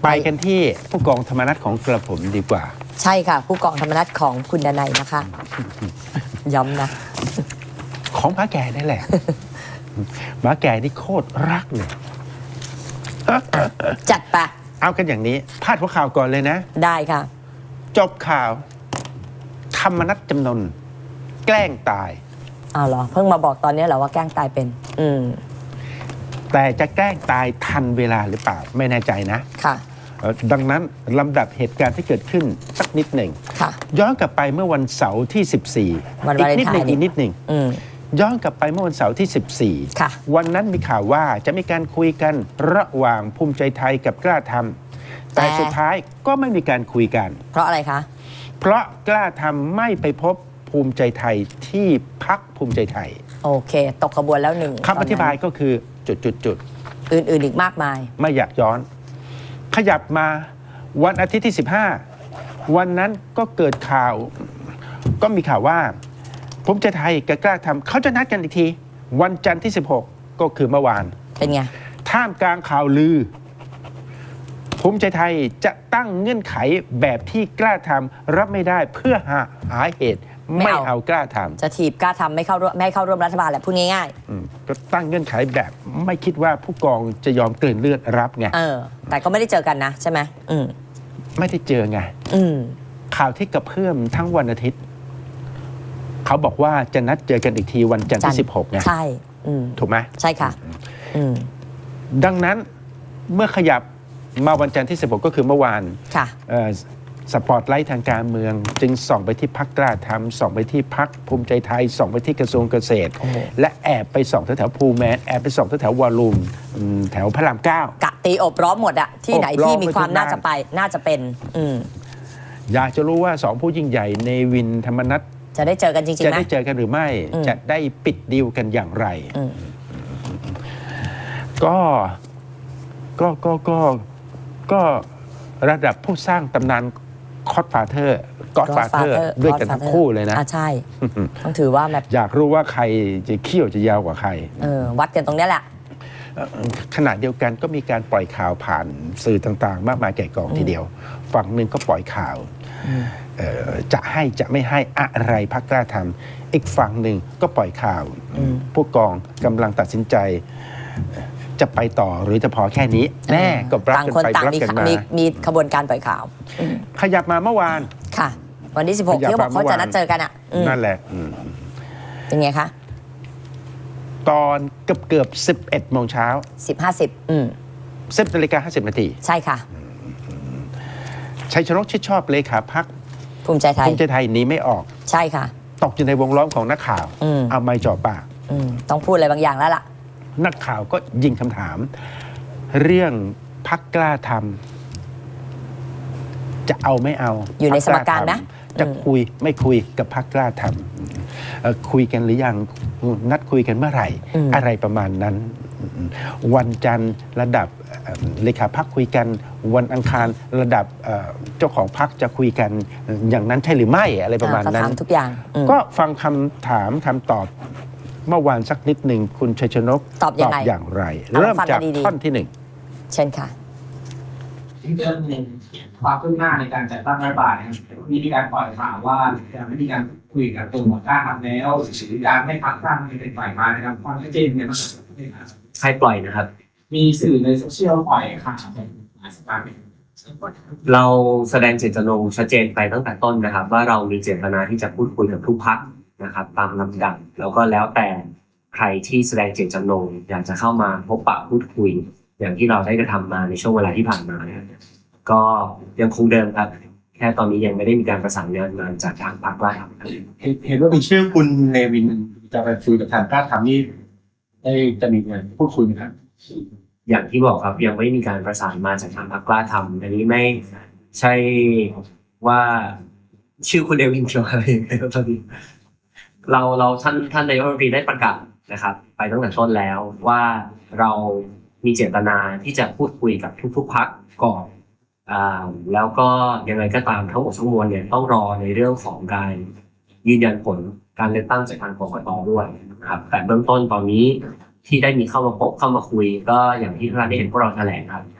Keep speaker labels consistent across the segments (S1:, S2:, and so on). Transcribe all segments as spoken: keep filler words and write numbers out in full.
S1: ไปกันที่ผู้กองธรรมนัสของกระผมดีกว่า
S2: ใช่ค่ะผู้กองธรรมนัสของคุณดนัยนะคะย้ำนะ
S1: ของพระแก่ได้แหละหมาแก่นี่โคตรรักเลย
S2: จัดปะ
S1: เอากันอย่างนี้พาดหัวข่าวก่อนเลยนะ
S2: ได้ค่ะ
S1: จบข่าวธรรมนัสจำนนแกล้งตาย
S2: อ้าวเหรอเพิ่งมาบอกตอนนี้เหรอว่าแกล้งตายเป็นอืม
S1: แต่จะแกล้งตายทันเวลาหรือเปล่าไม่แน่ใจนะ
S2: ค่ะ
S1: ดังนั้นลำดับเหตุการณ์ที่เกิดขึ้นสักนิดหนึ่งย้อนกลับไปเมื่อวันเสาร์ที่สิบสี่
S2: อี
S1: กนิดหนึ่งอีกนิดหนึ่งย้อนกลับไปเมื่อวันเสาร์ที่สิบสี่วันนั้นมีข่าวว่าจะมีการคุยกันระหว่างภูมิใจไทยกับกล้าทำแต่สุดท้ายก็ไม่มีการคุยกัน
S2: เพราะอะไรคะ
S1: เพราะกล้าทำไม่ไปพบภูมิใจไทยที่พรรคภูมิใจไทย
S2: โอเคตกขบวนแล้วหนึ่ง
S1: คำอธิบายก็คือจุดจุดจุด
S2: อื่นๆอีกมากมาย
S1: ไม่อยากย้อนขยับมาวันอาทิตย์ที่สิบห้าวันนั้นก็เกิดข่าวก็มีข่าวว่าภูมิใจไทยกับกล้าทำเขาจะนัดกันอีกทีวันจันทร์ที่สิบหกก็คือเมื่อวาน
S2: เป็นไง
S1: ท่ามกลางข่าวลือภูมิใจไทยจะตั้งเงื่อนไขแบบที่กล้าทำรับไม่ได้เพื่อหาหาเหตุไม่เอากล้าทำ
S2: จะถีบกล้าทำไม่เข้าร่วมไม่เข้าร่วมรัฐบาลแหละพูดง่าย
S1: ๆก็ตั้งเงื่อนไขแบบไม่คิดว่าผู้กองจะยอมกลืนเลือดรับไง
S2: เออแต่ก็ไม่ได้เจอกันนะใช่ไหมอืม
S1: ไม่ได้เจอไง
S2: อืม
S1: ข่าวที่กระเพื่อมทั้งวันอาทิตย์เขาบอกว่าจะนัดเจอกันอีกทีวันจันทร์ที่สิบหกไง
S2: ใช่
S1: ถูกไหม
S2: ใช่ค่ะ
S1: ดังนั้นเมื่อขยับมาวันจันทร์ที่สิบหกก็คือเมื่อวาน
S2: ค่ะ
S1: สปอตไลท์ทางการเมืองจึงส่องไปที่พรรคกล้าทำส่องไปที่พรรคภูมิใจไทยส่องไปที่กระทรวงเกษตรและแอบไปส่องแถวๆภูแมนแอบไปส่องแถวๆวอลลุ่มแถวพระรามเก้าก
S2: ะตีอบล้อมหมดอะที่ไหนที่มีความน่าจะไปน่าจะเป็น
S1: อยากจะรู้ว่าสองผู้ยิ่งใหญ่เนวินธรรมนัส
S2: จะได้เจอกันจริงๆ
S1: จะได้เจอกันหรือไม่จะได้ปิดดีลกันอย่างไรก็ก็ก็ก็ก็ระดับผู้สร้างตำนานคอดฟาเธอร์ก็อดฟาเธอร์ด้วยกันทั้งคู่เลยนะ
S2: ใช่ต้องถือว่าแบบ
S1: อยากรู้ว่าใครจะเขี้ยวจะยาวกว่าใคร
S2: เออวัดกันตรงนี้แหละ
S1: ขณะเดียวกันก็มีการปล่อยข่าวผ่านสื่อต่างๆมากมายแก่กองทีเดียวฝั่งหนึ่งก็ปล่อยข่าวจะให้จะไม่ให้อะไรพรรคกล้าทำอีกฝั่งหนึ่งก็ปล่อยข่าวผู้กองกำลังตัดสินใจจะไปต่อหรือจะพอแค่นี้แน่ก็รับกันไปรับกันมา
S2: มีขบวนการปล่อยข่าว
S1: ขยับมาเมื่อวาน
S2: ค่ะวันที่สิบหกที่บอกเขาจะนัดเจอกันอ่ะ
S1: นั่นแหละ
S2: เป็นไงคะ
S1: ตอนเกือบเกือบสิบเอ็ดโมงเช้า
S2: สิบห้าสิบอืม
S1: สิบนาฬิกาห้าสิบนาที
S2: ใช่ค่ะ
S1: ชัยชนกชิดชอบเลขาพรรค
S2: ภูมิใจไทย
S1: ภูมิใจไทยหนีไม่ออก
S2: ใช่ค่ะ
S1: ตกอยู่ในวงล้อมของนักข่าวเอาไม้จ่อปาก
S2: ต้องพูดอะไรบางอย่างแล้วล่ะ
S1: นักข่าวก็ยิงคำถามเรื่องพรรคกล้าทำจะเอาไม่เอา
S2: อยู่ในสมการนะ
S1: จะคุยไม่คุยกับพรรคกล้าทำคุยกันหรือยังนัดคุยกันเมื่อไหร่อะไรประมาณนั้นวันจันทร์ระดับเลขาพรรคคุยกันวันอังคารระดับเจ้าของพรรคจะคุยกันอย่างนั้นใช่หรือไม่อะไรประมาณนั้น
S2: ทุกอย่าง
S1: ก็ฟังคำถามคำตอบเมื่อวานสักนิดหนึ่งคุณชัยชนก
S2: ตอบอย่างไร
S1: อย่างไรเริ่มจากท่อนที่หนึ่ง
S2: เช่นค่ะ
S3: ที่เรื่องหนึ่งความคืบหน้าในการจัดตั้งรัฐบาลนะครับมีการปล่อยข่าวว่าจะไม่มีการคุยกับตัวกล้าทำแล้วการไม่พักตั้งเป็นฝ่ายมานะครับความชัดเจนเนี่ยมัน
S4: ใครปล่อยนะครับ
S3: มีสื่อในโซเชียลปล่อยข่าวในหลายสถาน
S4: เราแสดงเจตจำนงชัดเจนไปตั้งแต่ต้นนะครับว่าเรามีเจตนาที่จะพูดคุยกับทุกพรรคนะครับตามลำดับแล้วก็แล้วแต่ใครที่แสดงเจตจำนงอยากจะเข้ามาพบปะพูดคุยอย่างที่เราได้กระทำมาในช่วงเวลาที่ผ่านมาก็ยังคงเดิมครับแค่ตอนนี้ยังไม่ได้มีการประสานงานมาจากทางพรรคว่า
S3: เห็นว่ามีชื่อคุณเนวินจะไปคุยกับทางกล้าทำนี่ได้จะมีการพูดคุยไหมครับ
S4: อย่างที่บอกครับยังไม่มีการประสานมาจากทางพรรคกล้าทำอันนี้ไม่ใช่ว่าชื่อคุณเนวินเกี่ยวอะไรครับตอนนี้เราเราท่านท่านนายกรัฐมนตรีได้ประกาศนะครับไปตั้งแต่ต้นแล้วว่าเรามีเจตนาที่จะพูดคุยกับทุกๆพรรคก่อนอ่าแล้วก็ยังไงก็ตามทั้งหมดทั้งมวลเนี่ยต้องรอในเรื่องของการยืนยันผลการเลือกตั้งจากทางกกต.ด้วยนะครับแต่เบื้องต้นตอนนี้ที่ได้มีเข้ามาพบเข้ามาคุยก็อย่างที่ท่านได้เห็นพวกเราแถลงครับ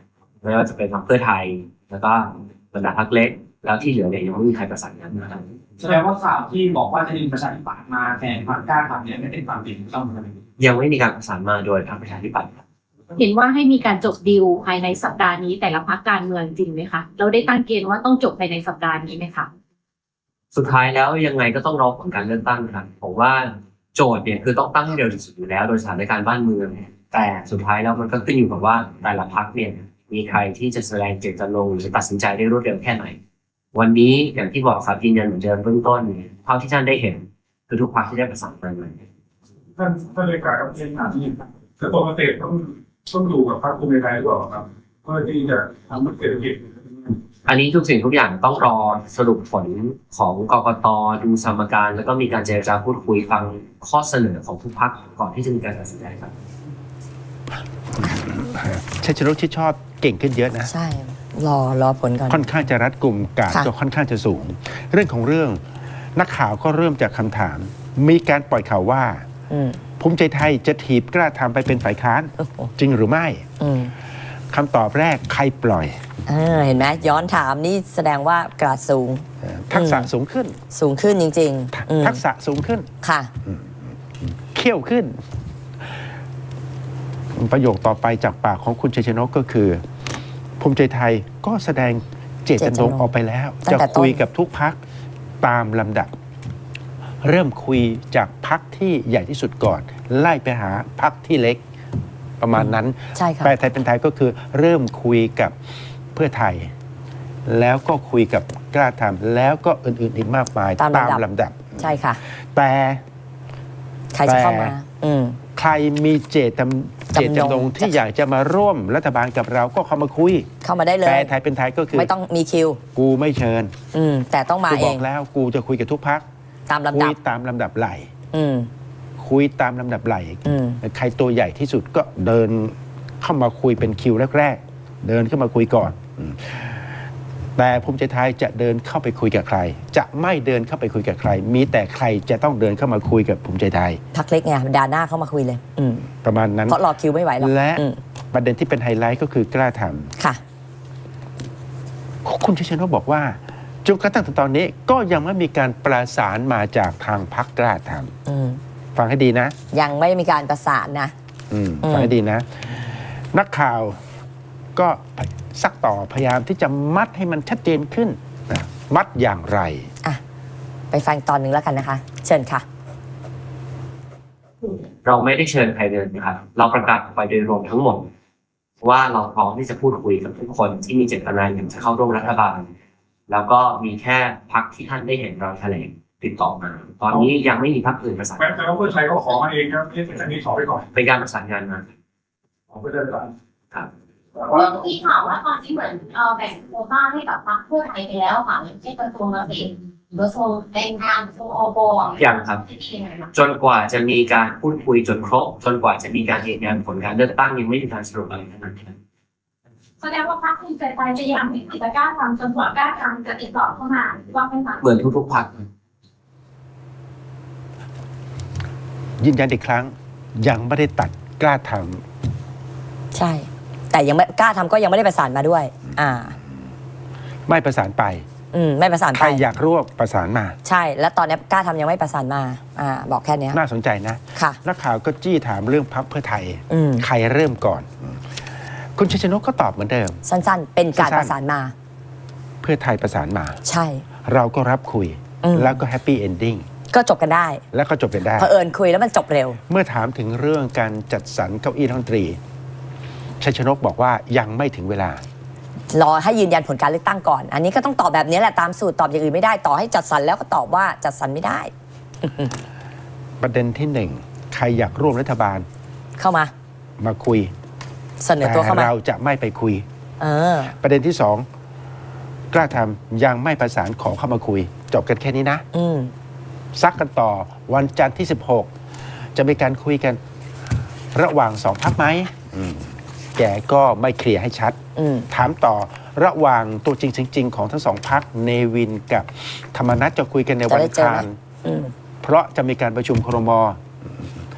S4: ไม่ว่าจะเป็นพรรคเพื่อไทย แล้วก็บรรดาพรรคเล็ก แล้วที่เหลือเนี่ยยังไม่มีใครประสานงานนะครับ
S3: แสดงว่าข่าวที่บอกว่าจะดึงประชาธิปัตย์มาแทนพรรคกล้าทำเนี่ยไม่เป็นความจริงต้องไหม
S4: ยังไม่มีการประสานมาโดยพรรคประชาธิปัตย์ครับ
S5: เห็นว่าให้มีการจบดีลภายในสัปดาห์นี้แต่ละพรรคการเมืองจริงไหมคะเราได้ตั้งเกณฑ์ว่าต้องจบภายในสัปดาห์นี้ไหมคะ
S4: สุดท้ายแล้วยังไงก็ต้องรอผลการเลือกตั้งครับผมว่าโจทย์เนี่ยคือต้องตั้งให้เร็วที่สุดอยู่แล้วโดยสถานการณ์บ้านเมืองแต่สุดท้ายแล้วมันก็ขึ้นอยู่กับว่าแต่ละพรรคเนี่ยมีใครที่จะแสดงเจตจำนงหรือตัดสินใจได้รวดเร็วแค่ไหนวันนี้อย่างที่บอกครับยืนยันเหมือนเดิมเบื้องต้นเท่าที่ท่านได้เห็นคือทุกพรรคที่ได้ประสานงานมา
S6: ท่านท่านเลขาครับเช่นที่กระทรวงเกษตรต้องต้องดูกับพรรคภูมิใจไทยหรือเปล่าครับเพื่อที่จะทำให้เศรษฐกิจ
S4: อันนี้ทุกสิ่งทุกอย่างต้องรอสรุปผลของกกต.ดูสมการแล้วก็มีการเจรจาพูดคุยฟังข้อเสนอของทุกพรรคก่อนที่จะมีการตัดสินใจครับ
S1: ชัยชนกที่ชอบเก่งขึ้นเยอะนะ
S2: ใช่ รอรอผลก่อน
S1: ค่อนข้างจะรัดกลุ่มการ
S2: ค่ะ
S1: ก็ค่อนข้างจะสูง เรื่องของเรื่องนักข่าวก็เริ่มจากคำถาม มีการปล่อยข่าวว่า
S2: อืม
S1: ภูมิใจไทยจะถีบกล้าทำไปเป็นฝ่ายค้าน
S2: โอ้โห
S1: จริงหรือไม่
S2: อืม
S1: คำตอบแรกใครปล่อย
S2: เออเห็นไหมย้อนถามนี่แสดงว่ากระดสูง
S1: เอ่อทักษะสูงขึ้น
S2: สูงขึ้นจริงๆอืม
S1: ทักษะสูงขึ้น
S2: ค่ะ
S1: เขี้ยวขึ้น ประโยคต่อไปจากปากของคุณชัยชนกก็คือ ภูมิใจไทยก็แสดงเจตจำนงออกไปแล้ว
S2: ตั้
S1: จะ
S2: งแต่ต้น
S1: คุยกับทุกพักตามลำดับ เริ่มคุยจากพักที่ใหญ่ที่สุดก่อน ไล่ไปหาพักที่เล็ก ประมาณนั้น
S2: ใช่ค่ะ
S1: แปลไทยเป็นไทยก็คือเริ่มคุยกับเพื่อไทย แล้วก็คุยกับกล้าทำแล้วก็อื่นๆอีกมากมาย
S2: ตามลำดับ
S1: ลำดับ
S2: ใช่ค่ะ
S1: แต่
S2: ใครจะเข้ามา
S1: แต่
S2: อืม
S1: ใครมีเจตจำเจตจำนงที่อยากจะมาร่วมรัฐบาลกับเราก็เข้ามาคุย
S2: เข้ามาได้เล
S1: แปล
S2: ย
S1: ไทยเป็นไทยก็คือ
S2: ไม่ต้องมีคิว
S1: กูไม่เชิญ
S2: อืม แต่ต้องมา
S1: กู
S2: เอบ
S1: อง กแล้วกูจะคุยกับทุกพัก
S2: ตามลำ
S1: คุ
S2: ดั
S1: ย
S2: บ
S1: ตามลำดับไหล
S2: อืม
S1: คุยตามลำดับไหล
S2: อืม
S1: ใครตัวใหญ่ที่สุดก็เดินเข้ามาคุยเป็นคิวแรกๆ เดินเข้ามาคุยก่อนอืมแต่ภูมิใจไทยจะเดินเข้าไปคุยกับใคร จะไม่เดินเข้าไปคุยกับใคร มีแต่ใครจะต้องเดินเข้ามาคุยกับภูมิใจไทย
S2: พักเล็กไงดาหน้าเข้ามาคุยเลย อืม
S1: ประมาณนั้น
S2: เพราะรอคิวไม่ไหวหรอก
S1: และ
S2: อืม
S1: ประเด็นที่เป็นไฮไลท์ก็คือกล้าท
S2: ค่ะ
S1: ำคุณชัยชนกบอกว่าจนกระทั่งถึงตอนนี้ก็ยังไม่มีการประสานมาจากทางพรรคกล้าท
S2: อืม
S1: ำฟังให้ดีนะ
S2: ยังไม่มีการประสานนะ
S1: อืม
S2: อืม
S1: ฟังให้ดีนะ นักข่าวก็ซักต่อพยายามที่จะมัดให้มันชัดเจนขึ้นนะมัดอย่างไร
S2: อ่ะ ไปฟังตอนหนึ่งแล้วกันนะคะ เชิญค่ะ
S4: เราไม่ได้เชิญใครเลยนะครับเราประกาศออกไปโดยรวมทั้งหมด ว่าเราพร้อมที่จะพูดคุยกับทุกคนที่มีเจตนาอยากจะเข้าร่วมรัฐบาล แล้วก็มีแค่พรรคที่ท่านได้เห็นเราแถลงติดต่อมา ตอนนี้ยังไม่มีพรรคอื่นประสาน
S6: แม้แต่ว่าเพื่อไทยเขาขอมาเองครับนี่อันนี้ขอไปก่อน
S4: เป็นการประสานงานมา
S6: ขอไปได้ก่อน
S4: ครับ
S6: ว่า
S7: มีข่าวว่าตอนนี้เหมือนเอ่อแบ่งโควต้าให้กับพรรคเพื่อไทยไปแล้วค่ะอย่างเช่นกระทรวงเกษตรกระทรวงแรงงานกระทรวงอบอ
S4: ยังครับ จนกว่าจะมีการพูดคุยจนครบ จนกว่าจะมีการยืนยันผลการเลือกตั้งยังไม่มีการสรุปอะไรทั้งนั้นครับ
S7: แสดงว่าพรรคภูมิใจไทยจะยังไม่กิจกล้าทำจนกว่ากล้าทำจะติดต่อเข้ามาว่าไม่มา
S4: เหมือนทุกๆพรรค
S1: ยืนยันอีกครั้ง ยังไม่ได้ตัดกล้าท
S2: ใช่ แต่ยังไม่กล้าทำก็ยังไม่ได้ประสานมาด้วย อ่า
S1: ำไม่ประสานไป
S2: อืม ไม่ประสาน
S1: ใค
S2: ไป
S1: รอยากร่วมประสานมา
S2: ใช่ แล้วตอนนี้กล้าทำยังไม่ประสานมา อ่า บอกแค่เนี้ย
S1: น่าสนใจนะ
S2: ค่ะ
S1: นักข่าวก็จี้ถามเรื่องพรรคเพื่อไทย
S2: อืม
S1: ใครเริ่มก่อน คุณชัยชนกก็ตอบเหมือนเดิม
S2: สั้นๆ เป็นการ
S1: สั้นๆ
S2: ประสานมา
S1: เพื่อไทยประสานมา
S2: ใช่
S1: เราก็รับคุย
S2: อืม
S1: แล้วก็แฮปปี้เอนดิ้ง
S2: ก็จบกันได้
S1: แล้วก็จบกันได้
S2: เผอิญคุยแล้วมันจบเร็ว
S1: เมื่อถามถึงเรื่องการจัดสรรเก้าอี้รัฐมนตรีชัยชนกบอกว่ายังไม่ถึงเวลา
S2: รอให้ยืนยันผลการเลือกตั้งก่อน อันนี้ก็ต้องตอบแบบนี้แหละตามสูตรตอบอย่างอื่นไม่ได้ ต่อให้จัดสรรแล้วก็ตอบว่าจัดสรรไม่ได้
S1: ประเด็นที่หนึ่งใครอยากร่วมรัฐบาล
S2: เข้ามา
S1: มาคุย
S2: เสนอ
S1: แต่
S2: ตัวเข้ามา
S1: เราจะไม่ไปคุย
S2: เออ
S1: ประเด็นที่สองกล้าทำยังไม่ประสานขอเข้ามาคุย จบกันแค่นี้นะ
S2: อืม
S1: ซักกันต่อวันจันทร์ที่ สิบหก จะมีการคุยกันระหว่างสองพักไหมอืมแกก็ไม่เคลียร์ให้ชัด
S2: อืม
S1: ถามต่อระหว่างตัวจริงจริง ๆ ของทั้งสองพักเนวินกับธรรมนัฐจะคุยกันในวันอังคาร
S2: อืม
S1: เพราะจะมีการประชุมครม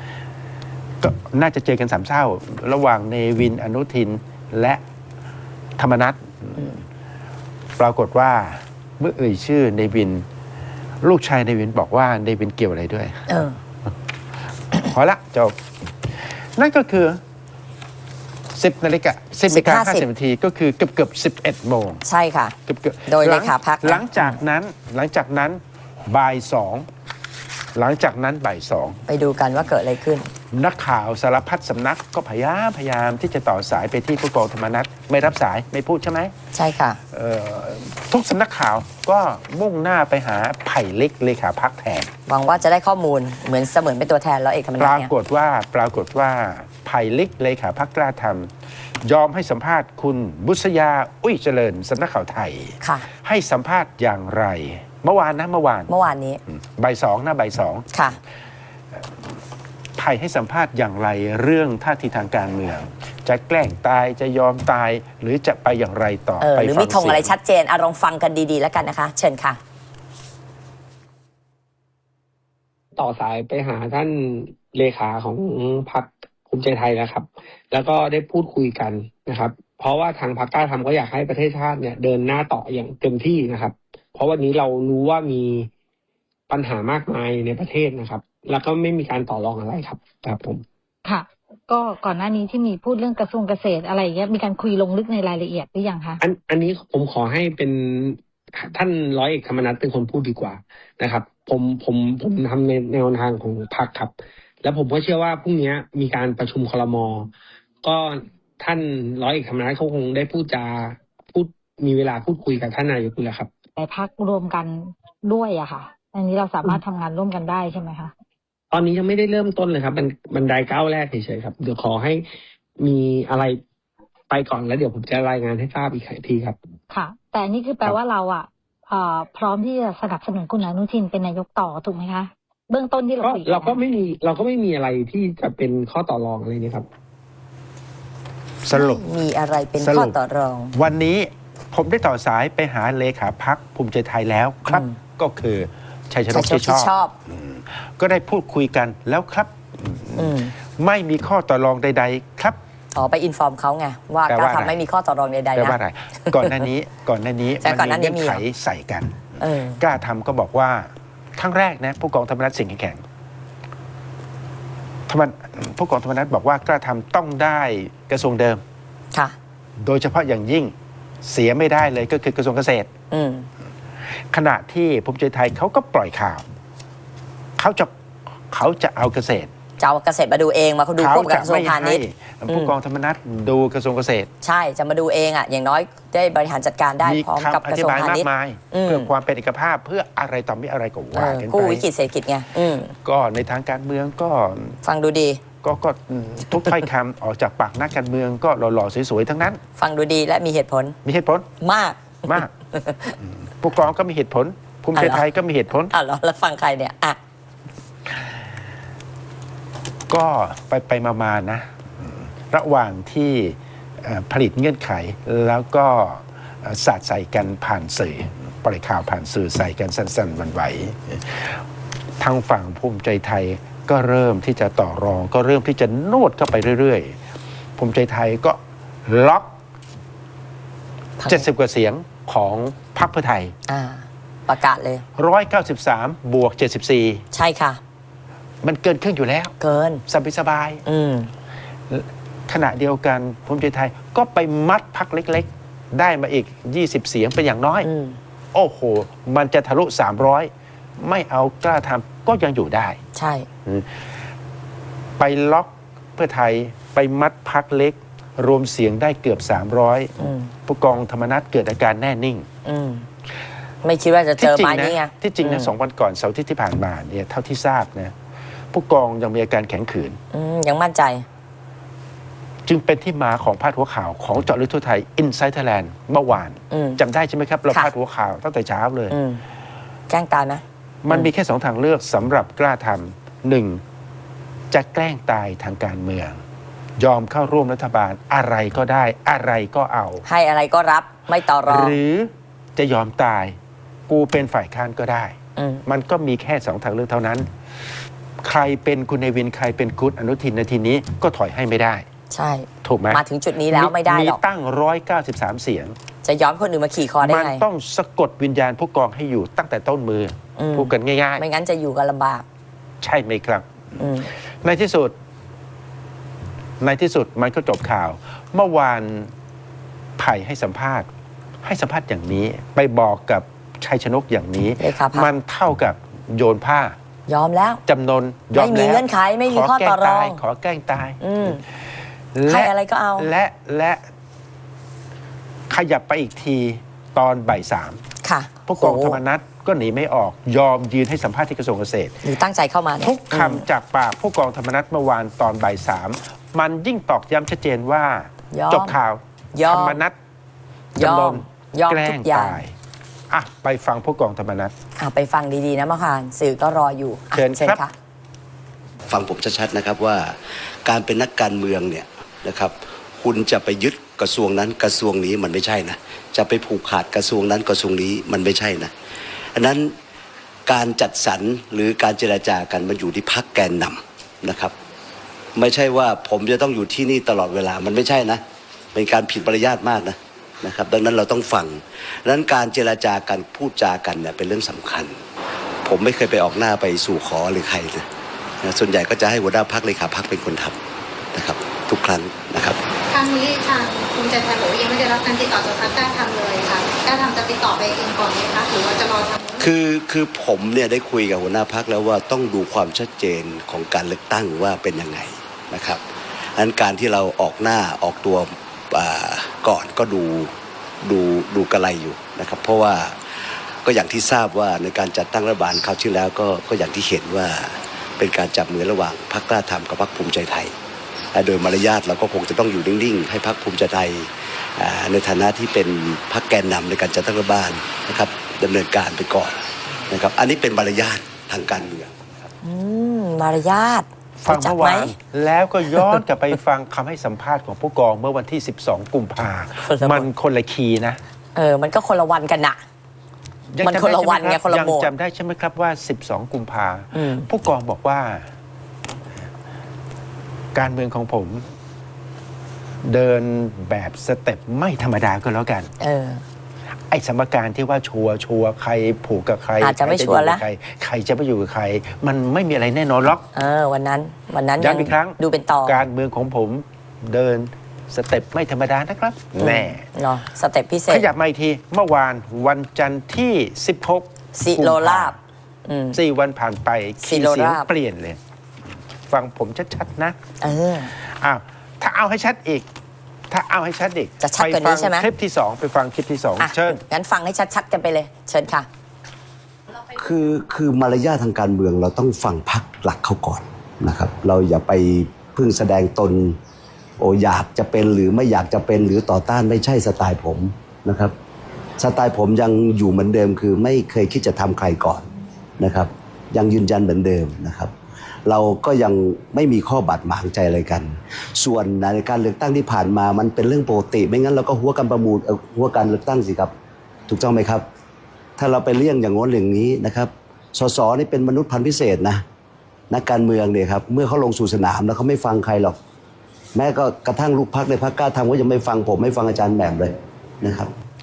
S1: ก็น่าจะเจอกันสามเศร้า ระหว่างเนวินอนุทินและธรรมนัสปรากฏว่าเมื่อเอ่ยชื่อในวิน ลูกชายในวินบอกว่าในวินเกี่ยวอะไรด้วย
S2: เออ
S1: พอละจบนั่นก็คือสิบนาฬิกาสิบนาฬิกาห้าสิบนาทีก็คือเกือบเกือบสิบเอ็ดโมง
S2: ใช่ค่ะ
S1: เกือบเกือบ
S2: โดยเลขาพรรค
S1: หลังจากนั้นหลังจากนั้นบ่ายสองหลังจากนั้นบ่ายสอง
S2: ไปดูกันว่าเกิดอะไรขึ้น
S1: นักข่าวสารพัดสำนักก็พยายามพยายามที่จะต่อสายไปที่ผู้กองธรรมนัสไม่รับสายไม่พูดใช่ไหม
S2: ใช่ค่ะ
S1: เอ่อทุกสำนักข่าวก็มุ่งหน้าไปหาไผ่เล็กเลขาพักแทน
S2: หวังว่าจะได้ข้อมูลเหมือนเสมือนเป็นตัวแทนร้อยเอกธรรม
S1: ป
S2: นัส
S1: รา
S2: เนี่ย
S1: กฏว่าปรากฏว่าไผ่เล็กเลขาพักกล้าทำยอมให้สัมภาษณ์คุณบุษยาอุ้ยเจริญสำนักข่าวไทย
S2: ค่ะ
S1: ให้สัมภาษณ์อย่างไร เมื่อวานนะเมื่อวาน
S2: เมื่อวานนี้
S1: บ่ายสองนะบ่ายสอง
S2: ค่ะ
S1: ไผ่ให้สัมภาษณ์อย่างไรเรื่องท่าทีทางการเมือง จะแกล้งตายจะยอมตายหรือจะไปอย่างไรต่อ
S2: เออ
S1: ไป
S2: หรือ
S1: ฟั
S2: มีธงอะไร
S1: เสีย
S2: ชัดเจนอะลองฟังกันดีๆแล้วกันนะคะ เชิญค่ะ
S8: ต่อสายไปหาท่านเลขาของพรรคภูมิใจไทยแล้วครับ แล้วก็ได้พูดคุยกันนะครับ เพราะว่าทางพรรคกล้าทำก็อยากให้ประเทศชาติเนี่ยเดินหน้าต่ออย่างเต็มที่นะครับ เพราะวันนี้เรารู้ว่ามีปัญหามากมายในประเทศนะครับ แล้วก็ไม่มีการต่อรองอะไรครับครับผม
S9: ค่ะ ก็ก่อนหน้านี้ที่มีพูดเรื่องกระทรวงเกษตรอะไรอย่างเงี้ยมีการคุยลงลึกในรายละเอียดหรือยังคะ
S8: อันอันนี้ผมขอให้เป็นท่านร้อยเอกธรรมนัสเป็นคนพูดดีกว่านะครับ ผมผมผมทำในแนวทางของพรรคครับ แล้วผมก็เชื่อว่าพรุ่งนี้มีการประชุมครม.ก็ท่านร้อยเอกธรรมนัสเขาคงได้พูดจาพูดมีเวลาพูดคุยกับท่านนายกอยู่แล้วครับ
S9: แต่พักรวมกันด้วยอะค่ะ อันนี้เราสามารถทำงานร่วมกันได้ใช่ไหมคะ
S8: ตอนนี้ยังไม่ได้เริ่มต้นเลยครับมันบันไดก้าวแรกเฉยๆครับเดี๋ยวขอให้มีอะไรไปก่อนแล้วเดี๋ยวผมจะรายงานให้ทราบอีกทีครับ
S9: ค่ะ แต่อันนี่คือแปลว่าเราอะเอ่อพร้อมที่จะสนับสนุนคุณอนุทินเป็นนายกต่อถูกไหมคะเบื้องต้นที่เรา
S8: ก็
S9: คุยกัน
S8: เราก็ไม่มีเราก็ไม่มีอะไรที่จะเป็นข้อต่อรองอะไรนี่ครับ
S1: สรุป
S2: มีอะไรเป็น
S1: สรุ
S2: ข้อ
S1: ป
S2: ต่อรอง
S1: วันนี้ผมได้ต่อสายไปหาเลขาพักภูมิใจไทยแล้วครับ
S2: อืม
S1: ก็คือชัยชน
S2: ชัย
S1: ก
S2: ชน
S1: ที่
S2: ก
S1: ช
S2: ที่
S1: อบ
S2: ชอบ
S1: ก็ได้พูดคุยกันแล้วครับ
S2: อืม
S1: ไม่มีข้อต่อรองใด ๆ ครับ
S2: อ๋อไปอินฟอร์มเขาไง ว่า
S1: แปล
S2: การ
S1: ว่าอะไร
S2: ทำไม่มีข้อต่อรองใด
S1: แปล
S2: ๆนะ
S1: ว่าอะไร ก่อนหน้านี้ก่อนหน้านี้
S2: แต่ก่อนหน้านี้
S1: เงื่อนไข
S2: มีเหรอ
S1: ใส่กัน
S2: เออ
S1: กล้าทำก็บอกว่าครั้งแรกนะผู้กองธรรมนัฐสิ่งแข็งธรรมนผู้กองธรรมนัฐบอกว่ากล้าทำต้องได้กระทรวงเดิม
S2: ค่ะ
S1: โดยเฉพาะอย่างยิ่งเสียไม่ได้เลยก็คือกระทรวงเกษตร
S2: อืม
S1: ขณะที่ภูมิใจไทยเขาก็ปล่อยข่าว เขาจะเขาจะเอาเกษตร
S2: จะเอาเกษตรมาดูเองมาเขาดู
S1: เขา
S2: ควบกับ
S1: จะ
S2: กระทรวง
S1: ไม่
S2: พาณิ
S1: ให้
S2: ชย์
S1: ผู้กองธรรมนัฐดูกระทรวงเกษตร
S2: ใช่ จะมาดูเองอ่ะ อย่างน้อยได้บริหารจัดการได้
S1: มี
S2: พร้อมกับ
S1: คำอก
S2: ระ
S1: ธิ
S2: ทรวง
S1: บายาก
S2: พามณิชย์
S1: มาย
S2: อืม
S1: เพื่อความเป็นเอกภาพเพื่ออะไรต่อมีอะไรก็
S2: เอ
S1: ว่า
S2: อ
S1: กัน
S2: กู้
S1: ไป
S2: วิกฤตเศรษฐกิจไง อืม
S1: ก็ในทางการเมืองก็
S2: ฟังดูดี
S1: ก็ก็อืมทุกถ้อยคำ ออกจากปากนักการเมืองก็หล่อๆสวยๆทั้งนั้น
S2: ฟังดูดีและมีเหตุผล
S1: มีเหตุผล
S2: มาก
S1: มากอืมผู้กองก็มีเหตุผล ภูมิใจไทยก็มีเหตุผล
S2: อ่ะเหรอแล้วฟังใครเนี่ย อ่ะ
S1: ก็ไปไปมามาๆนะอืมระหว่างที่เอ่อผลิตเงื่อนไขแล้วก็เอ่อสาดใส่กันผ่านสื่อปล่อยข่าวผ่านสื่อใส่กันสั้นๆวันไหวทางฝั่งภูมิใจไทยก็เริ่มที่จะต่อรอง ก็เริ่มที่จะนวดเข้าไปเรื่อยๆ ภูมิใจไทยก็ล็อก เจ็ดสิบกว่าเสียงของพรรคเพื่อไทย
S2: อ่า ประกาศเลย
S1: หนึ่งร้อยเก้าสิบสามบวกเจ็ดสิบสี่
S2: ใช่ค่ะ
S1: มันเกินครึ่งอยู่แล้ว
S2: เกิน
S1: สบายสบาย
S2: อืม
S1: ขณะเดียวกันภูมิใจไทยก็ไปมัดพรรคเล็กๆ ได้มาอีกยี่สิบเสียงเป็นอย่างน้อย
S2: อืม
S1: โอ้โห มันจะทะลุสามร้อยไม่เอากล้าทำก็ยังอยู่ได้
S2: ใช่
S1: ไปล็อกเพื่อไทยไปมัดพรรคเล็ก รวมเสียงได้เกือบสามร้อย
S2: อืม
S1: ผู้กองธรรมนัฐเกิดอาการแน่นิ่ง
S2: อืม ไม่คิดว่าจะเจ
S1: ที่
S2: อ
S1: จริ
S2: ไม้
S1: งนะ
S2: นี้ไง
S1: ที่จริงนะ
S2: อืม
S1: สองวันก่อนเสาร์อาที่ที่ผ่านมาเนี่ยเท่าที่ทราบนะผู้กองยังมีอาการแข็งขืน
S2: อืม ยังมั่นใจ
S1: จึงเป็นที่มาของพาดหัวข่าวของเจาะลึกทั่วไทย Inside Thailand เมื่อวาน
S2: อืม
S1: จำได้ใช่ไหมครับ เรา
S2: ค่ะ
S1: พาดหัวข่าวตั้งแต่เช้าเลย
S2: อืม แกล้งตายไหม
S1: มัน
S2: อืม
S1: มีแค่สองทางเลือกสำหรับกล้าทำหนึ่งจะแกล้งตายทางการเมือง ยอมเข้าร่วมรัฐบาลอะไรก็ได้ อะไรก็เอา
S2: ให้อะไรก็รับ ไม่ต่อรอง
S1: หรือจะยอมตาย กูเป็นฝ่ายค้านก็ได้
S2: อืม
S1: มันก็มีแค่สองทางเลือกเท่านั้น ใครเป็นคุณเนวินใครเป็นคุณอนุทินในทีนี้ก็ถอยให้ไม่ได้
S2: ใช่
S1: ถูกไหม
S2: มาถึงจุดนี้แล้วไม่ได้หรอก
S1: มีตั้งร้อยเก้าสิบสามเสียง
S2: จะย้อมคนอื่นมาขี่คอได้
S1: มัน
S2: ไง
S1: ต้องสะกดวิญญาณผู้กองให้อยู่ตั้งแต่ต้นมืออ
S2: ม
S1: พูดกันง่าย
S2: ไม่งั้นจะอยู่กันลำบาก
S1: ๆ ใช่ไหมครับ
S2: อืม
S1: ในที่สุด ในที่สุดมันก็จบข่าว เมื่อวานไผ่ให้สัมภาษณ์ ให้สัมภาษณ์อย่างนี้ ไปบอกกับชัยชนกอย่างนี้
S2: เลขาพรรค
S1: มันเท่ากับโยนผ้าย
S2: อมแล้ว
S1: จำนนยอม
S2: ไม่มี
S1: แล้ว
S2: เงื่อนไขไม่มีข้อ
S1: แกล้
S2: ต่อรอง
S1: ตายขอแกล้งตาย
S2: อืม
S1: และ
S2: ให้อะไรก็เอา
S1: และและขยับไปอีกทีตอนบ่ายสาม
S2: ค่ะ
S1: ผู้กอง
S2: โโห
S1: ธรรมนัฐก็หนีไม่ออก ยอมยืนให้สัมภาษณ์ที่กระทรวงเกษตร
S2: หรือตั้งใจเข้ามาเนี่ย
S1: ทุกคำจากปากผู้กองธรรมนัฐเมื่อวานตอนบ่ายสามมันยิ่งตอกย้ำชัดเจนว่า
S2: ยอม
S1: จบข่าว
S2: ยอ
S1: ธร
S2: ม
S1: รมนัฐ
S2: ยอ
S1: จำน
S2: ม
S1: น
S2: ยอม
S1: แกล้
S2: ทุ
S1: ง
S2: กอย่าง
S1: ตายอ่ะไปฟังผู้กองธรรมนัฐ
S2: อ่ะไปฟังดีๆนะมะคานสื่อก็รออยู่อ่ะ
S1: เชิญครับ
S2: ค่ะ
S10: ฟังผมชัดๆนะครับว่าการเป็นนักการเมืองเนี่ยนะครับคุณจะไปยึดกระทรวงนั้นกระทรวงนี้มันไม่ใช่นะจะไปผูกขาดกระทรวงนั้นกระทรวงนี้มันไม่ใช่นะอันนั้นการจัดสรรหรือการเจรจากันมันอยู่ที่พรรคแกนนำนะครับไม่ใช่ว่าผมจะต้องอยู่ที่นี่ตลอดเวลามันไม่ใช่นะเป็นการผิดมารยาทมากนะนะครับดังนั้นเราต้องฟังดังนั้นการเจรจากันพูดจากันเนี่ยเป็นเรื่องสำคัญ ผมไม่เคยไปออกหน้าไปสู่ขอหรือใครเลยนะส่วนใหญ่ก็จะให้หัวหน้าพรรคเลขาพรรคเป็นคนทำนะครับทุกครั้งนะครับ
S7: ครั้งนี้ทางภูมิใจไทยบอกว่ายังไม่ได้รับการติดต่อจากพรรคกล้าทำเลยค่ะกล้าทำจะติดต่อไปเองก่อนไหมคะหรือว่าจะรอทำ
S10: คือคือผมเนี่ยได้คุยกับหัวหน้าพรรคแล้วว่าต้องดูความชัดเจนของการเลือกตั้งว่าเป็นยังไงนะครับดังนั้นการที่เราออกหน้าออกตัวอ่าก่อนก็ดูดูดูกระไรอยู่นะครับเพราะว่าก็อย่างที่ทราบว่าในการจัดตั้งรัฐบาลคราวที่แล้วก็ก็อย่างที่เห็นว่าเป็นการจับมือระหว่างพรรคกล้าทำกับพรรคภูมิใจไทยและโดยมารยาทเราก็คงจะต้องอยู่นิ่งๆให้พรรคภูมิใจไทยอ่าในฐานะที่เป็นพรรคแกนนำในการจัดตั้งรัฐบาลนะครับดำเนินการไปก่อนนะครับอันนี้เป็นมารยาททางการเมือง
S2: อืมมารยาท
S1: ฟัง
S2: รู้จัก
S1: เมื่อ
S2: ไหม
S1: วานแล้วก็ย้อนกลับไปฟังคำให้สัมภาษณ์ของผู้กองเมื่อวันที่ สิบสอง กุมภา
S2: คนละ
S1: มันคนละคีย์นะ
S2: เออ มันก็คนละวันกันน่ะ
S1: ยัง
S2: มัน
S1: จำ
S2: คนละ
S1: ได้
S2: วัน
S1: ใช่ไหม
S2: ไง
S1: รับ
S2: คนละ
S1: ยัง
S2: โหมด
S1: จำได้ใช่ไหมครับว่า สิบสอง กุมภา
S2: อืม
S1: ผู้กองบอกว่า การเมืองของผม เดินแบบสเต็ปไม่ธรรมดาก็แล้วกัน
S2: เออ
S1: ไอ้สมการที่ว่าชัวร์ชัวร์ใครผูกกับใคร
S2: อาจจะไม่
S1: ใคร
S2: ชัวร์
S1: อยู่
S2: ละ
S1: กับใครใครจะไปอยู่กับใคร มันไม่มีอะไรแน่นอนหรอก
S2: เออ วันนั้น วันนั้น
S1: ย้ำอีกครั้ง
S2: ดูเป็นต่อ
S1: การเมืองของผมเดินสเต็ปไม่ธรรมดานะครับ
S2: อืม
S1: แน่
S2: เนาะสเต็ปพิเศ
S1: ข
S2: ษ
S1: ยับมาอีกทีเมื่อวานวันจันทร์ที่ สิบหก
S2: สิโลลาบ อืม
S1: สี่วันผ่านไป
S2: สิ
S1: คีย์
S2: โล
S1: เสียง
S2: ลาบ
S1: เปลี่ยนเลย ฟังผมชัดๆนะ
S2: เออ
S1: อ้าวถ้าเอาให้ชัดอีก ถ้าเอาให้ชัดอีก
S2: จะชัดกว่านี้ใช่ไหม
S1: ปฟังคลิปที่สองไปฟังคลิปที่สอง
S2: อ่ะ
S1: เชิญ
S2: งั้นฟังให้ชัดๆกันไปเลย เชิญค่ะ
S10: คือคือมารยาททางการเมืองเราต้องฟังพรรคหลักเขาก่อนนะครับ เราอย่าไปพึ่งแสดงตนโออยากจะเป็นหรือไม่อยากจะเป็นหรือต่อต้านไม่ใช่สไตล์ผมนะครับสไตล์ผมยังอยู่เหมือนเดิมคือไม่เคยคิดจะทำใครก่อนนะครับ ยังยืนยันเหมือนเดิมนะครับ เราก็ยังไม่มีข้อบาดหมางใจอะไรกัน ส่วนในการเลือกตั้งที่ผ่านมามันเป็นเรื่องปกติไม่งั้นเราก็หัวกันประมูลเอ่อหัวการเลือกตั้งสิครับถูกต้องไหมครับ ถ้าเราไปเลี่ยงอย่างโน้นอย่างนี้นะครับสสนี่เป็นมนุษย์พันธุ์พิเศษนะนักการเมืองเนี่ยครับเมื่อเขาลงสู่สนามแล้วเขาไม่ฟังใครหรอกแม้ก็กระทั่งลูกพรรคในพรรคกล้าทำก็ยังไม่ฟังผมไม่ฟังอาจารย์แหม่มเลยนะครับ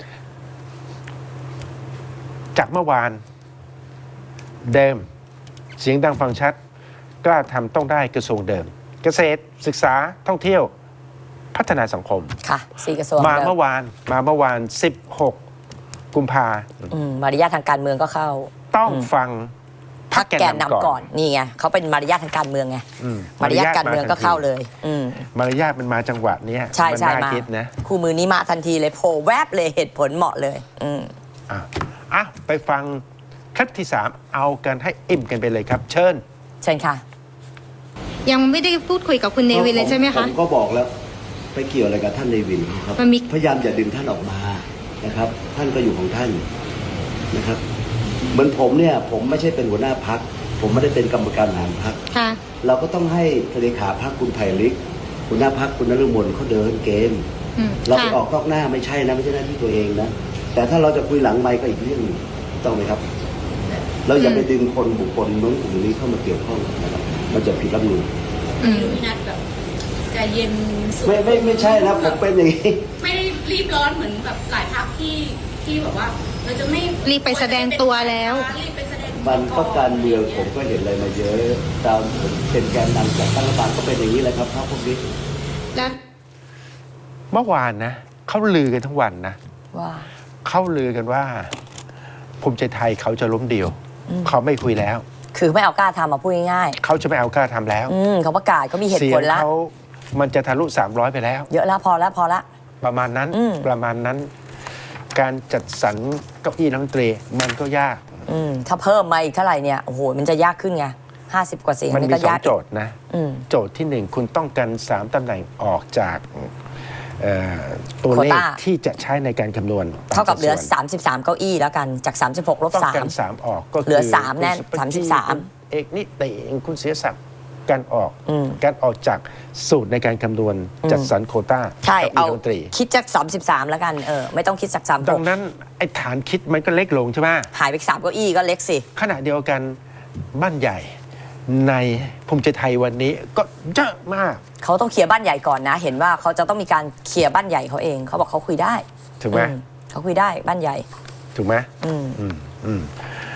S1: จากเมื่อวาน เดิม เสียงดังฟังชัด กล้าทำต้องได้กระทรวงเดิม เกษตรศึกษาท่องเที่ยว พัฒนาสังคม
S2: ค่ะสี่กระทรวง
S1: มา
S2: เดิม
S1: เมื่อวานมาเมื่อวาน สิบหก กุมภา
S2: อืมมารยาททางการเมืองก็เข้า
S1: ต้อง
S2: อืม
S1: ฟัง
S2: พรรคแกนนำก่อน นี่ไงเขาเป็นมารยาททางการเมืองไง
S1: อืม
S2: มารยาทการเมืองก็เข้าเลย อืม
S1: มารยาทมันมาจังหวะเนี้ย
S2: ใช่
S1: มัน
S2: ใช่
S1: น่า
S2: มา
S1: คิดนะ
S2: คู่มือนี้มาทันทีเลยโผล่แวบเลยเหตุผลเหมาะเลย อืม
S1: อ่ะอ่ะไปฟังคลิปที่สามเอากันให้อิ่มกันไปเลยครับ เชิญ
S2: เชิญค่ะ
S7: ยังไม่ได้พูดคุยกับคุณเนวินเลยใช่ไหม
S10: ผ
S7: คะ
S10: มก็บอกแล้วไปเกี่ยวอะไรกับท่านเนวินครับ
S7: มันมี
S10: พยายามอย่าดึงท่านออกมานะครับ ท่านก็อยู่ของท่านนะครับ เหมือนผมเนี่ยผมไม่ใช่เป็นหัวหน้าพรรคผมไม่ได้เป็นกรรมการบริหารพรรค
S7: ค่ะ
S10: เราก็ต้องให้เลขาพรรคคุณไผ่ลิกหัวหน้าพรรคคุณนฤมลเขาเดินเกม
S7: อืม
S10: เราไป
S7: ค่ะ
S10: ออกนอกหน้าไม่ใช่นะไม่ใช่หน้าที่ตัวเองนะแต่ถ้าเราจะคุยหลังไมค์ก็อีกเรื่องหนึงถูกต้องไหมครับ เราอย่าไปดึงคนบุคคลโน้นกลุ่มนี้เข้ามาเกี่ยวข้องนะครับมันจะผิดรัฐธรรมนูญ
S7: อืม
S11: ใจเย็นสุด
S10: ไม่ไม่ไม่ใช่นะผมเป็นอย่างนี้
S11: ไม่ได้รีบร้อนเหมือนแบบหลายพรรคที่ที่แบบว่าเราจะไม่
S9: รีบไปแสดงตัวแล้ว
S11: รีบไปแสดงตัว
S10: มันก็การเมืองผมก็เห็นอะไรมาเยอะตามผมเป็นแกนนำจากตั้งรัฐบาลก็เป็นอย่างนี้แหละครับพรรคพวกนี้
S9: แล้ว
S1: เมื่อวานนะเขาลือกันทั้งวันนะ
S2: ว่า
S1: เขาลือกันว่าภูมิใจไทยเขาจะล้มเดียว เขาไม่คุยแล้ว
S2: คือไม่เอากล้าทำมาพูดง่าย
S1: เขาจะไม่เอากล้าทำแล้ว
S2: ๆอืมเขาประกาศเขามีเหตุ
S1: เสี
S2: ผ
S1: ย
S2: ล
S1: ง
S2: แล้ว
S1: เขามันจะทะลุสามร้อยไปแล้ว
S2: เยอะแล้วพอแล้วพอละ
S1: ประมาณนั้น
S2: อืม
S1: ประมาณนั้น การจัดสรรเก้าอี้รัฐมนตรีมันก็ยาก
S2: อืมถ้าเพิ่มมาอีกเท่าไหร่เนี่ยโอ้โหมันจะยากขึ้นไงห้าสิบกว่าเสียง
S1: มัน
S2: นี่
S1: มี
S2: ก็
S1: สอง
S2: ยาก
S1: โจทย์นะ
S2: อืม
S1: โจทย์ที่หนึ่งคุณต้องการสามตำแหน่งออกจากเอ่อตัวเลข
S2: โควต้า
S1: ที่จะใช้ในการคำนวณ
S2: เท่ากับเหลือ
S1: ตมสัดส่วน
S2: สามสิบสามเก้าอี้แล้วกันจากสามสิบหกลบ
S1: ต้อง
S2: สาม
S1: การสามออกก็คื
S2: เหลือสามแน่น
S1: คุณ
S2: สามสิบสาม
S1: คุณเอกนิติคุณเสียศักดิ์การออก
S2: อืม
S1: การออกจากสูตรในการคำนวณ
S2: อืม
S1: จัดสรรโควต้า
S2: ใช่
S1: กับ
S2: เอา
S1: รัฐมนตรี
S2: คิดจากสามสิบสามแล้วกันเออไม่ต้องคิดจากสามห
S1: ดั
S2: ก
S1: งนั้นไอ้ฐานคิดมันก็เล็กลงใช่ไหม
S2: หายไปสามเก้าอี้ก็เล็กสิ
S1: ขณะเดียวกันบ้านใหญ่ในภูมิใจไทยวันนี้ก็เยอะมาก
S2: เขาต้องเคลียร์บ้านใหญ่ก่อนนะ เห็นว่าเขาจะต้องมีการเคลียร์บ้านใหญ่เขาเองเขาบอกเขาคุยได้
S1: ถูกไหม
S2: อืมเขาคุยได้บ้านใหญ่
S1: ถูกไหม
S2: อืม
S1: อืมอืม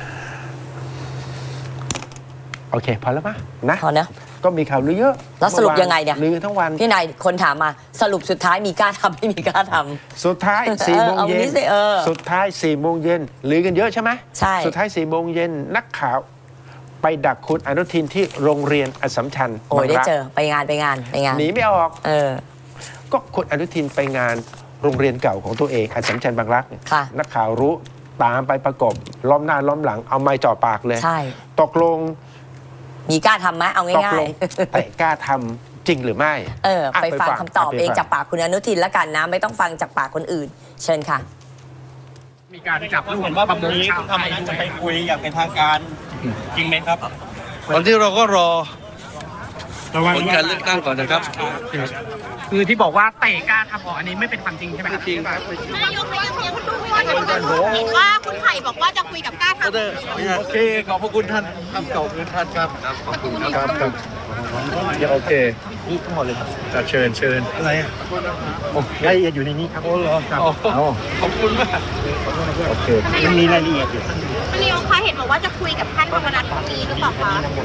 S1: โอเค พอแล้วปะนะ
S2: พอเนอะ
S1: ก็มีข่าวลือเยอะ
S2: แล้วสรุป
S1: มื่อวา
S2: ยังไงเนี่ย
S1: ลือทั้งวัน
S2: พี่นายคนถามมาสรุปสุดท้ายมีกล้าทำไม่มีกล้าทำ
S1: สุดท้ายสี่โมง
S2: เอาวัน
S1: เย็
S2: นี้
S1: น
S2: สิเออ
S1: สุดท้ายสี่โมงเย็นลือกันเยอะใช่ไหม
S2: ใช่
S1: สุดท้ายสี่โมงเย็นนักข่าวไปดักคุณอนุทินที่โรงเรียนอัสสัมชัญ
S2: โอ้ยได้
S1: บางรัก
S2: เจอไปงานไปงานไปงาน
S1: หนีไม่ออก
S2: เออ
S1: ก็คุณอนุทินไปงานโรงเรียนเก่าของตัวเองอัสสัมชัญบางรักเนี่ย
S2: ค่ะ
S1: นักข่าวรู้ตามไปประกบล้อมหน้าล้อมหลังเอาไม้จ่อปากเลย
S2: ใช่
S1: ตกลง
S2: มีกล้าทำไหมเอา
S1: ตก
S2: ง่า
S1: ล
S2: ย
S1: งแต่กล้าทำจริงหรือไม่
S2: ๆเออ
S1: อ่ะ
S2: ไปฟัง
S1: ไปฟัง
S2: คำตอบ
S1: ไปฟัง
S2: เองจากปากคุณอนุทินแล้วกันนะ ไม่ต้องฟังจากปากคนอื่น เชิญค่ะ
S3: มีการจับลูกว่าวันนี้คุณทำอะไรจะไปคุยอย่างเป็นทางการ จริงไหมครับ
S12: วันที่เราก็รอผลการเลือกตั้งก่อนนะครับ
S3: คือที่บอกว่าเตะกล้าทำออกอันนี้ไม่เป็นความจริงใช่ไหมครับ
S12: จริงครับ
S7: นายกนายกยังดูว่าจะเห็นว่าคุณไผ่บอกว่าจะคุยกับกล้าทำ
S12: โอเค ขอบพระคุณท่านครับขอบคุณท่านครับ ขอบคุณครับครับโอเคนี่ทั้งหมดเลยครับเชิญเชิญอะไรอ่ะรายละเอียดอยู่ในนี้ครับโอ้เหรอครับขอบคุณมากโอเคมันมีรายละเอียดอยู่
S7: นายกคะเห็นบอกว่าจะคุยกับท่านธรรมนัฐพรุ่งนี้หรือเปล่าคะ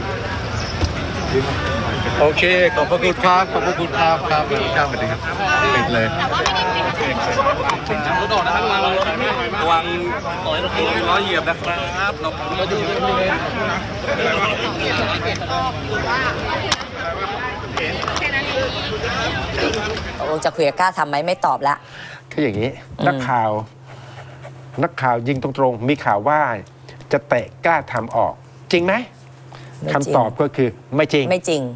S12: โอเค ขอบพระคุณครับ ขอบพระคุณครับครับครับสวัสดีครับปิดเลย
S7: แต่ว่าไม่ได้คุยกับท่าน
S12: รถออกนะครับระวังระวังล้อเหยียบนะครับเราเราอยู่ที่นี่
S2: ตกลงจะคุยกับกล้าทำไหมไม่ตอบละ
S1: คืออย่างนี้
S2: อืม
S1: นักข่าว นักข่าวยิงตรงๆ มีข่าวว่าจะเตะกล้าทำออก จริงไหม
S2: ไม่จริง
S1: คำตอบก็คือไม่จริง
S2: ไม่จริง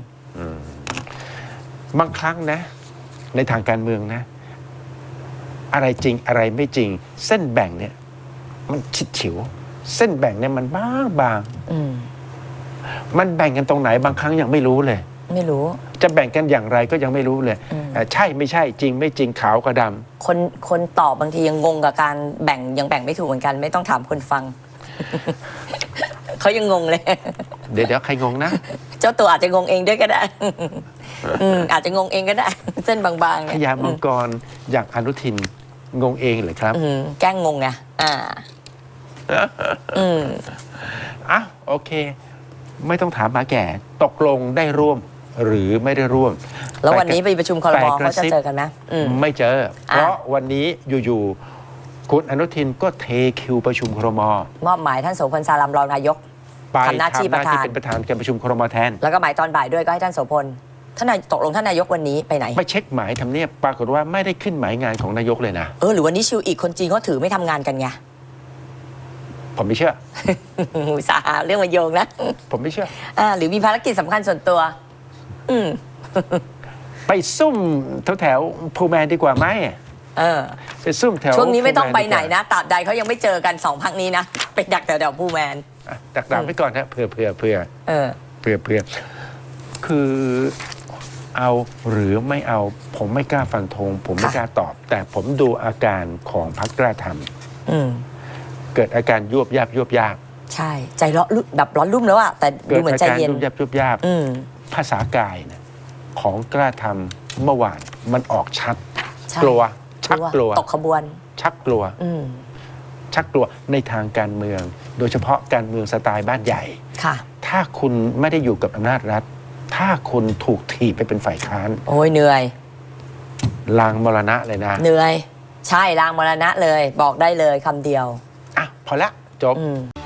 S1: บางครั้งนะ ในทางการเมืองนะ อะไรจริงอะไรไม่จริง เส้นแบ่งเนี่ย มันชิดฉิว เส้นแบ่งเนี่ยมันบางบาง
S2: อืม
S1: มันแบ่งกันตรงไหน บางครั้งยังไม่รู้เลย
S2: ไม่รู้
S1: จะแบ่งกันอย่างไรก็ยังไม่รู้เลย
S2: อืม
S1: เอ่อใช่ไม่ใช่จริงไม่จริงขาวกับดำ
S2: คนคนตอบบางทียังงงกับการแบ่งยังแบ่งไม่ถูกเหมือนกัน ไม่ต้องถามคนฟัง เขายังงงเลย
S1: เดี๋ยวเดี๋ยวใครงงนะ
S2: เจ้าตัวอาจจะงงเองด้วยก็ได้ อืมอาจจะงงเองก็ได้ เส้นบางๆ
S1: พ
S2: เนี่ย
S1: ญามังกรอย่างอนุทินงงเองเหรอครับ
S2: อืมแกล้งงงไงอ่า อืม
S1: อ่ะโอเค ไม่ต้องถามหมาแก่ ตกลงได้ร่วมหรือไม่ได้ร่วม
S2: แล้ววันนี้ไปประชุมครม
S1: แต่ก
S2: เขา
S1: ระ
S2: จะ
S1: ซิบ
S2: เจอกันไหมอืม
S1: ไม่เจอ เพราะวันนี้อยู่ๆคุณอนุทินก็เทคิวประชุมครม
S2: มอบหมายท่านโสพลสารามรองนายก
S1: ไป
S2: ทำหน้าที่ประธาน
S1: เป็นประธานการประชุมครมแทน
S2: แล้วก็หมายตอนบ่ายด้วยก็ให้ท่านโสพลท่านนายตกลงท่านนายกวันนี้ไปไหน
S1: ไปเช็คหมายทำเนียบปรากฏว่าไม่ได้ขึ้นหมายงานของนายกเลยนะ
S2: เออหรือวันนี้ชิวอีกคนจีนเขาถือไม่ทำงานกันไง
S1: ผมไม่เชื่อ
S2: อุตสาห์เรื่องมาโยงนะ
S1: ผมไม่เชื่อ
S2: อ่าหรือมีภารกิจสำคัญส่วนตัว อืม
S1: ไปซุ่มแถวแถวพูแมนดีกว่าไหม
S2: เออ
S1: ไปซุ่มแถว
S2: ช่วงนี้ไม่ต้องไปไหน
S1: พูแมดีกว่า
S2: นะตราบใดเขายังไม่เจอกันสองพักนี้นะไปดักแถวๆผู้แมน
S1: อ่ะดักดาไว้ก่อนนะเผื่อเผื่อเผื่อ
S2: เออ
S1: เผื่อเผื่อคือเอาหรือไม่เอาผมไม่กล้าฟันธงผมไม่
S2: ค่ะ
S1: กล้าตอบ แต่ผมดูอาการของพรรคกล้าท
S2: อืม
S1: ำเกิดอาการยวบยาบยวบยาบ
S2: ใช่ ใจร้อนรุ่มแบบร้อนรุ่มแล้วอะแต่
S1: เกิ
S2: ดู
S1: ด
S2: เหมือน
S1: อา
S2: ใจ
S1: การ
S2: เย็น
S1: ยวบยาบยวบยาบ
S2: อืม
S1: ภาษากายนะของกล้าทเมื่อวานมันออกชัด
S2: ใช่
S1: กลัว ชักกลัว
S2: ตกขบวน
S1: ชักกลัว
S2: อืม
S1: ชักกลัวในทางการเมือง โดยเฉพาะการเมืองสไตล์บ้านใหญ่
S2: ค่ะ
S1: ถ้าคุณไม่ได้อยู่กับอำนาจรัฐ ถ้าคุณถูกถีบไปเป็นฝ่ายค้าน
S2: โอ้ยเหนื่อย
S1: ลางมรณะเลยนะ
S2: เหนื่อย ใช่ลางมรณะเลย บอกได้เลยคำเดียว
S1: อ่ะ พอละ จบ
S2: อืม